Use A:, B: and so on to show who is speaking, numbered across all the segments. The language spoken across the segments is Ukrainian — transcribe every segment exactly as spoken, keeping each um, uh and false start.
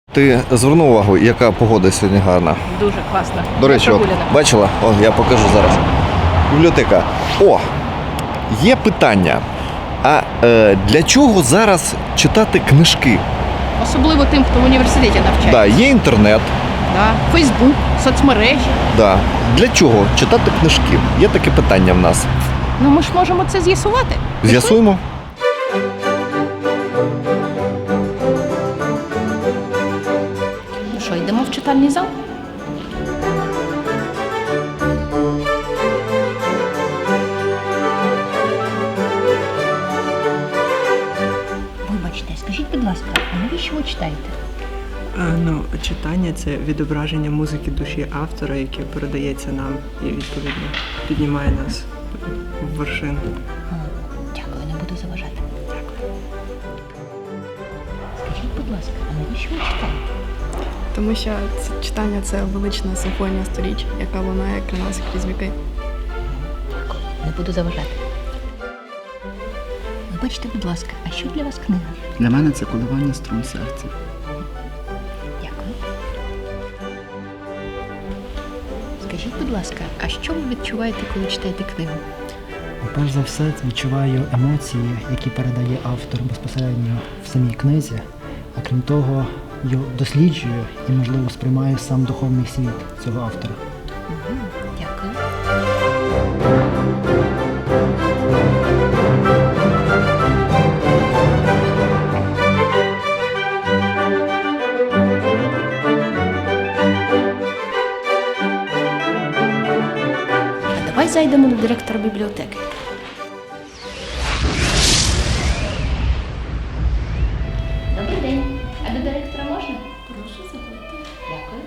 A: Ти звернув увагу, яка погода сьогодні гарна?
B: Дуже класно.
A: До речі, от, бачила? О, я покажу зараз. Бібліотека. О, є питання. А е, для чого зараз читати книжки?
B: Особливо тим, хто в університеті навчається.
A: Да, є інтернет.
B: Да. Фейсбук, соцмережі.
A: Да. Для чого читати книжки? Є таке питання в нас.
B: Ну ми ж можемо це з'ясувати.
A: З'ясуємо.
B: Ну що, йдемо в читальний зал?
C: Вибачте, скажіть, будь ласка, а навіщо ви читаєте?
D: Е, Ну, читання це відображення музики душі автора, яке передається нам і відповідно піднімає нас в вершину.
C: О, дякую, не буду заважати. Дякую. Скажіть, будь ласка, а навіщо ви читаєте?
E: Тому що це читання це велична симфонія сторіч, яка лунає крізь крізь віки.
C: Дякую, не буду заважати. Вибачте, будь ласка, а що для вас книга?
F: Для мене це коливання струн серця.
C: Дякую. Скажіть, будь ласка, а що ви відчуваєте, коли читаєте книгу?
G: Перш за все, відчуваю емоції, які передає автор безпосередньо в самій книзі, а крім того, його досліджую і, можливо, сприймаю сам духовний світ цього автора.
C: Угу, дякую.
B: А давай зайдемо до директора бібліотеки.
C: Добрий день. А до директора можна? Прошу, заходьте. Дякую.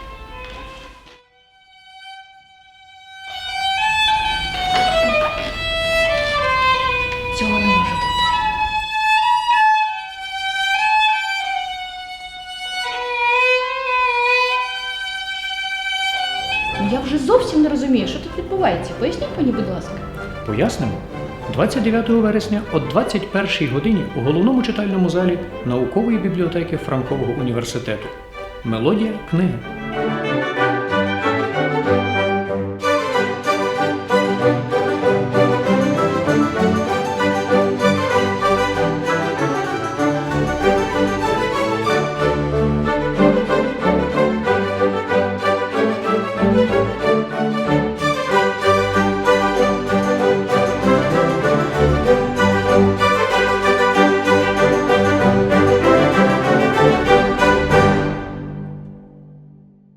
C: Цього не може бути.
B: Ну я вже зовсім не розумію, що тут відбувається. Поясніть мені, будь ласка.
H: Пояснимо. двадцять дев'ятого вересня о двадцять першій годині у головному читальному залі наукової бібліотеки Франкового університету. Мелодія книги.